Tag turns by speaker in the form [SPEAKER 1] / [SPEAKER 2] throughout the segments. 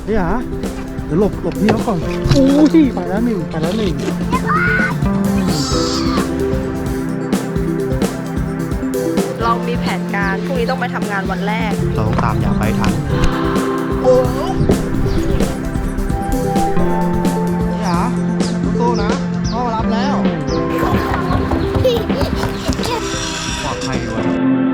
[SPEAKER 1] เดี๋ยวหลบพี่เขาก่อนโอ้ยไปแล้วหนึ่ง
[SPEAKER 2] เรามีแผนการพรุ่งนี้ต้องไปทำงานวันแรก
[SPEAKER 1] เราต้องตามอย่าไปทันโอ้สู้นะพ่อมารับแล้วปลอดภัยด้วย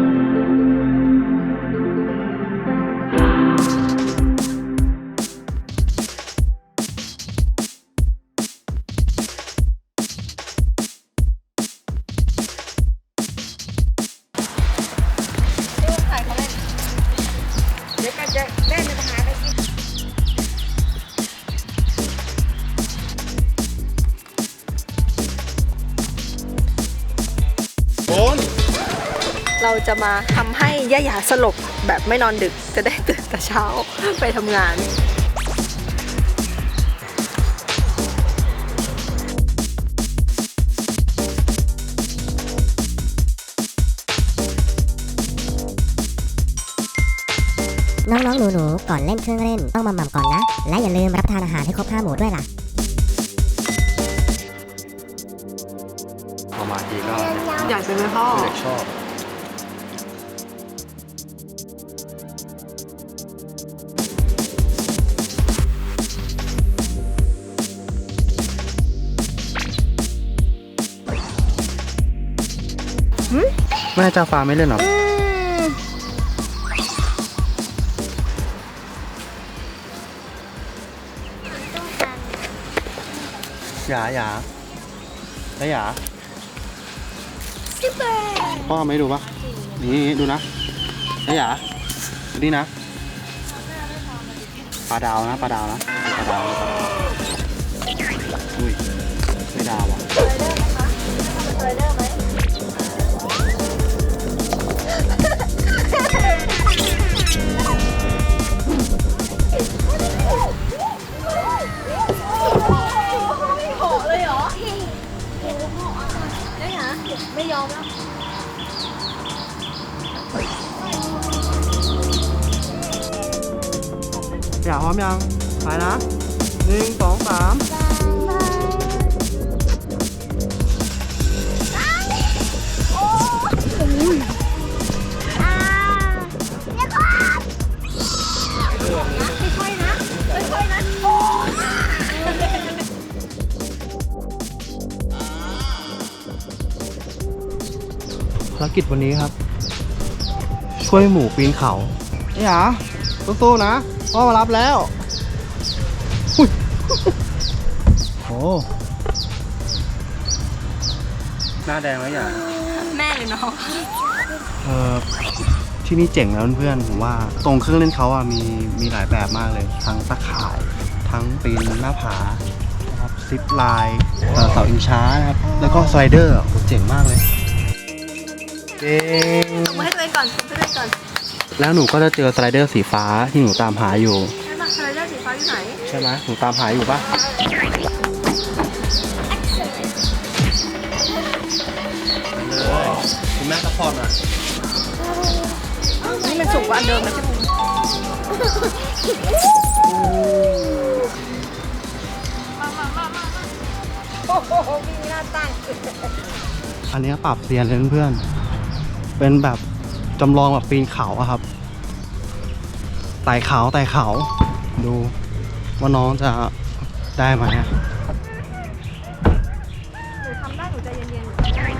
[SPEAKER 2] เราจะมาทำให้ย่าหยาสลบแบบไม่นอนดึกจะได้ตื่นแต่เช้าไปทำงาน
[SPEAKER 3] น้องๆหนูๆก่อนเล่นเครื่องเล่นต้องหมั่นๆก่อนนะ และอย่าลืมรับประทานอาหารให้ครบ5 หมู่ด้วยล่ะ
[SPEAKER 1] พอมาทีก็
[SPEAKER 2] อยากเป็นแม่พ่อ
[SPEAKER 1] เด็กชอบแม่จ้าฟ้าไม่เล่นหรออย่าพ่อไม่ดูปะนี่ดูนะอย่าดูนี่นะปลาดาวนะอุ้ยไม่ดาวอ่ะ
[SPEAKER 2] ไม่ยอมแล้ว
[SPEAKER 1] อย่าพร้อมยังไปนะ1 2 3ภารกิจวันนี้ครับช่วยหมูปีนเขาอย่าสู้ๆนะพ่อมารับแล้วโอ้หน้าแดงแล้วอย่า
[SPEAKER 2] แม่หรือน้อง
[SPEAKER 1] ที่นี่เจ๋งแล้วเพื่อนผมว่าตรงเครื่องเล่นเขาอ่ะมีหลายแบบมากเลยทั้งตะข่ายทั้งปีนหน้าผานะครับซิปไลน์เสาอิงช้านะครับแล้วก็สไลเดอร์เจ๋งมากเลยเก่ง
[SPEAKER 2] ส่งมาให้ตัวเองก่อนส่งให้ตัวเองก่อน
[SPEAKER 1] แล้วหนูก็จะเจอสไลเดอร์สีฟ้าที่หนูตามหาอยู่
[SPEAKER 2] ใช่ไหมสไลเดอร์สีฟ้าอยู่ไหน
[SPEAKER 1] ใช่ไหมหนูตามหาอยู่ปะเลยคุณแม่ซัพพอร์ตอ่ะ
[SPEAKER 2] นี่มันสูงกว่าอันเดิมนะพี่ภูมิโอ้โหมีหน้าตั้ง
[SPEAKER 1] อันนี้ปรับเซียนเลยเพื่อนๆเป็นแบบจำลองแบบปีนเขาอะครับไต่เขาดูว่าน้องจะได้ไหม
[SPEAKER 2] หนูทำได้หนูใจเย็น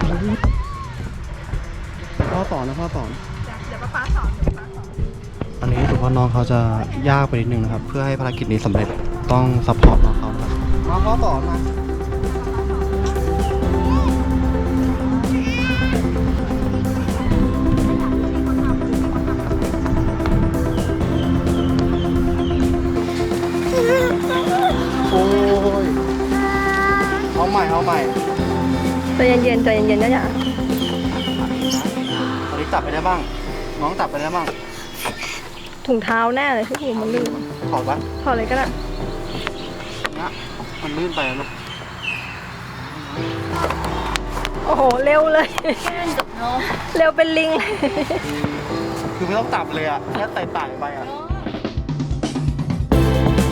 [SPEAKER 1] พ่อสอนนะพ่อสอน
[SPEAKER 2] เดี๋ยวป๊าสอน
[SPEAKER 1] อันนี้ถือว่าน้องเขาจะยากไปนิดนึงนะครับเพื่อให้ภารกิจนี้สำเร็จต้องซัพพอร์ตน้องเขาครับมาพ่อสอนมาโอ้ยเอาใหม่
[SPEAKER 2] ใจเย็นนะจ๊ะ
[SPEAKER 1] ตอนนี้จับไปได้บ้างน้องจับไปได้บ้าง
[SPEAKER 2] ถุงเท้าแน่เลยพี่ภูมิมันลื่น
[SPEAKER 1] ถอดปะ
[SPEAKER 2] ถอดเลยก็ได้
[SPEAKER 1] นะมันลื่นไปลูก
[SPEAKER 2] โอ้โหเร็วเลยเร็วเป็นลิง
[SPEAKER 1] คือไม่ต้องจับเลยอ่ะแค่ไต่ไปอ่ะ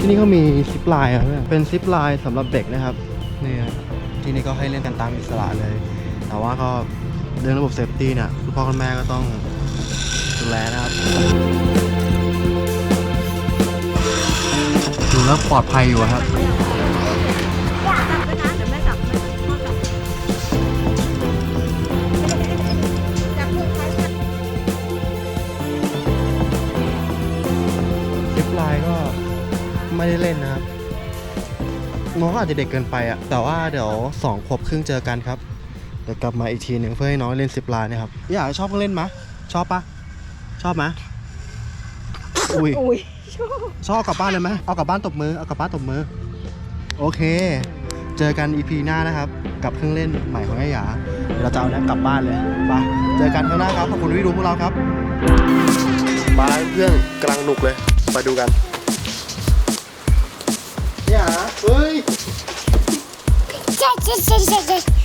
[SPEAKER 1] ที่นี่ก็มีซิปไลน์ครับเป็นซิปไลน์สำหรับเด็กนะครับนี่ที่นี่ก็ให้เล่นกันตามอิสระเลย แต่ว่าก็เรื่องระบบเซฟตี้เนี่ยคุณพ่อคุณแม่ก็ต้องดูแลนะครับดูแล้วปลอดภัยอยู่ครับซิปไลน์ก็ไม่ได้เล่นนะครับน้องอาจจะเด็กเกินไปอะแต่ว่าเดี๋ยว2 ขวบครึ่งเจอกันครับเดี๋ยวกลับมาอีกทีหนึ่งเพื่อให้น้องเล่นซิปไลน์นะครับอยากชอบเล่นไหมชอบปะชอบไหมอุ้ยชอบกลับบ้านเลยไหมเอากลับบ้านตบมือเอากลับบ้านตบมือโอเคเจอกัน EP หน้านะครับกับเครื่องเล่นใหม่ของไอ้หยาเดี๋ยวเราจะเอาเนี่ยกลับบ้านเลยไปเจอกันข้างหน้าครับขอบคุณที่ดูพวกเราครับบ้านเพื่อนกำลังหนุกเลยไปดูกันเนี่ยเฮ้ย